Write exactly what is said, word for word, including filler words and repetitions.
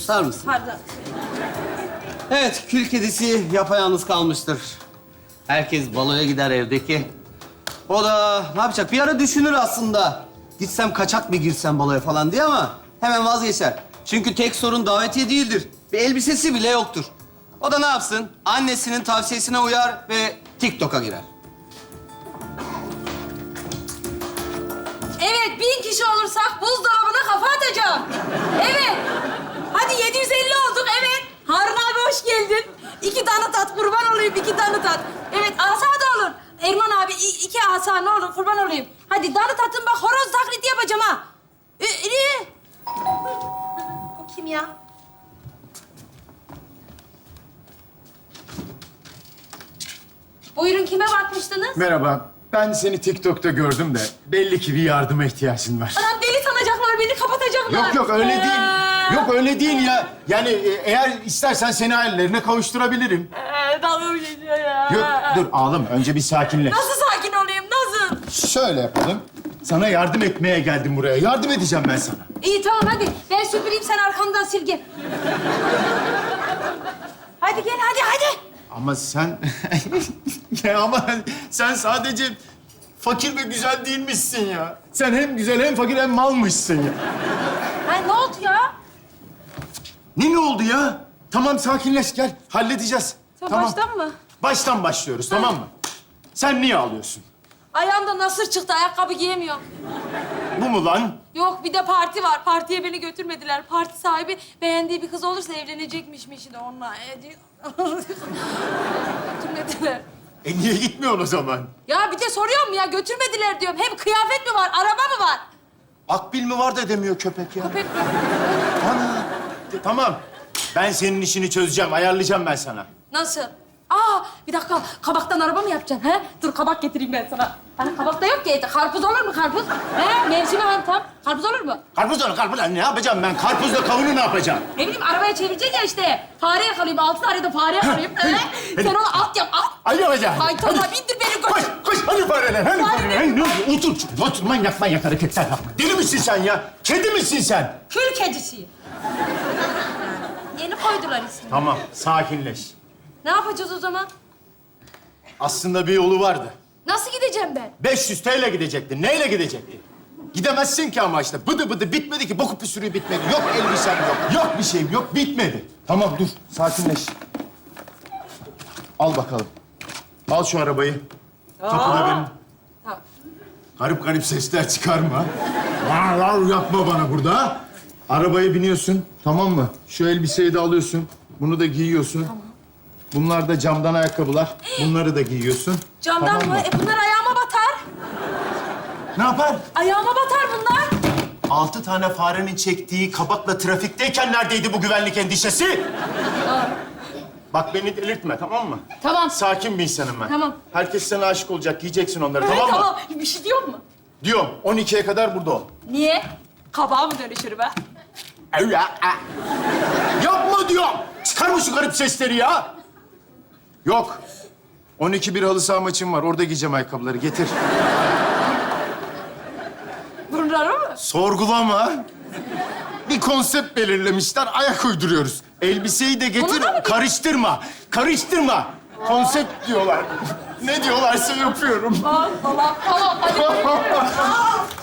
Susar mısın? Pardon. Evet, kül kedisi yapayalnız kalmıştır. Herkes baloya gider evdeki. O da ne yapacak? Bir ara düşünür aslında. Gitsem kaçak mı girsem baloya falan diye ama hemen vazgeçer. Çünkü tek sorun davetiye değildir. Bir elbisesi bile yoktur. O da ne yapsın? Annesinin tavsiyesine uyar ve TikTok'a girer. Evet, bin kişi olursak buzdolabına kafa atacağım. Evet. Hadi yedi yüz elli olduk, evet. Harun abi hoş geldin. İki tane tat, kurban olayım iki tane tat. Evet, asa da olur. Erman abi i- iki asa ne olur, kurban olayım. Hadi danı tatın bak, horoz taklidi yapacağım ha. Ee, ee. O kim ya? Buyurun, kime bakmıştınız? Merhaba. Ben seni TikTok'ta gördüm de belli ki bir yardıma ihtiyacın var. Anam deli sanacaklar, beni kapatacaklar. Yok yok öyle Ee. değil. Yok öyle değil ya. Yani e, eğer istersen seni ailelerine kavuşturabilirim. Ee, dalga mı geçiyor ya? Yok dur ağlama. Önce bir sakinleş. Nasıl sakin olayım, nasıl? Şöyle yapalım. Sana yardım etmeye geldim buraya. Yardım edeceğim ben sana. İyi tamam hadi. Ben süpüreyim, sen arkamdan sil gel. Hadi gel, hadi hadi. Ama sen... ya ama sen sadece fakir ve güzel değilmişsin ya. Sen hem güzel hem fakir hem malmışsın ya. Ha, ne oldu ya? Ne ne oldu ya? Tamam sakinleş gel. Halledeceğiz. Sen tamam. baştan mı? Baştan başlıyoruz tamam mı? Sen niye ağlıyorsun? Ayağımda nasır çıktı, ayakkabı giyemiyorum. Bu mu lan? Yok, bir de parti var. Partiye beni götürmediler. Parti sahibi beğendiği bir kız olursa evlenecekmiş de onunla. E, diyor. Götürmediler. E niye gitmiyorsun o zaman? Ya bir de soruyorum ya, götürmediler diyorum. Hem kıyafet mi var, araba mı var? Akbil mi var da demiyor köpek ya. Köpek mi? Ana. De- tamam. Ben senin işini çözeceğim, ayarlayacağım ben sana. Nasıl? Aa, bir dakika. Kabaktan araba mı yapacaksın? He? Dur, kabak getireyim ben sana. Hani kabak da yok ki. Karpuz olur mu karpuz? He? Mevsimi hani tam. Karpuz olur mu? Karpuz onu karpuz. Ne yapacağım ben? Karpuzla kavunu ne yapacağım? Ne bileyim, arabaya çevireceksin ya işte. Fare yakalayayım, altı tane de fare yakalayayım. He? Sen onu at yap, at. Ay yapacağım. Ay tamam, bindir beni koş. Koş, koş. Hadi fareler, hadi Fare fareler. Hadi, ne oluyor? Otur, otur. Manyak manyak hareketler yapma. Deli misin sen ya? Kedi misin sen? Kül kedisi. Yeni koydular ismini. Tamam, sakinleş. Ne yapacağız o zaman? Aslında bir yolu vardı. Nasıl gideceğim ben? beş yüz T L gidecektin. Neyle gidecektin? Gidemezsin ki ama işte. Bıdı bıdı bitmedi ki. Boku püsürüğü bitmedi. Yok elbisem yok. Yok bir şeyim yok. Bitmedi. Tamam dur. Sakinleş. Al bakalım. Al şu arabayı. Kapıda benim. Tamam. Garip garip sesler çıkarma. Var var yapma bana burada. Arabaya biniyorsun. Tamam mı? Şu elbiseyi de alıyorsun. Bunu da giyiyorsun. Tamam. Bunlar da camdan ayakkabılar. Bunları da giyiyorsun. Camdan Tamam mı? E bunlar ayağıma batar. Ne yapar? Ayağıma batar bunlar. Altı tane farenin çektiği kabakla trafikteyken neredeydi bu güvenlik endişesi? Bak beni delirtme tamam mı? Tamam. Sakin bir insanım ben. Tamam. Herkes sana aşık olacak, giyeceksin onları Evet, tamam mı? tamam. Bir şey diyor mu? Diyorum, on ikiye kadar burada ol. Niye? Kabağa mı dönüşür be? Öyle. Yapma diyorum. Çıkarma şu garip sesleri ya. Yok. on iki bir halı saha maçım var. Orada giyeceğim ayakkabıları. Getir. Bunları mı? Sorgulama. Bir konsept belirlemişler. Ayak uyduruyoruz. Elbiseyi de getir. Bunu da mı- Karıştırma. Karıştırma. Konsept diyorlar. Ne diyorlarsa yapıyorum. Tamam, tamam, tamam. Hadi.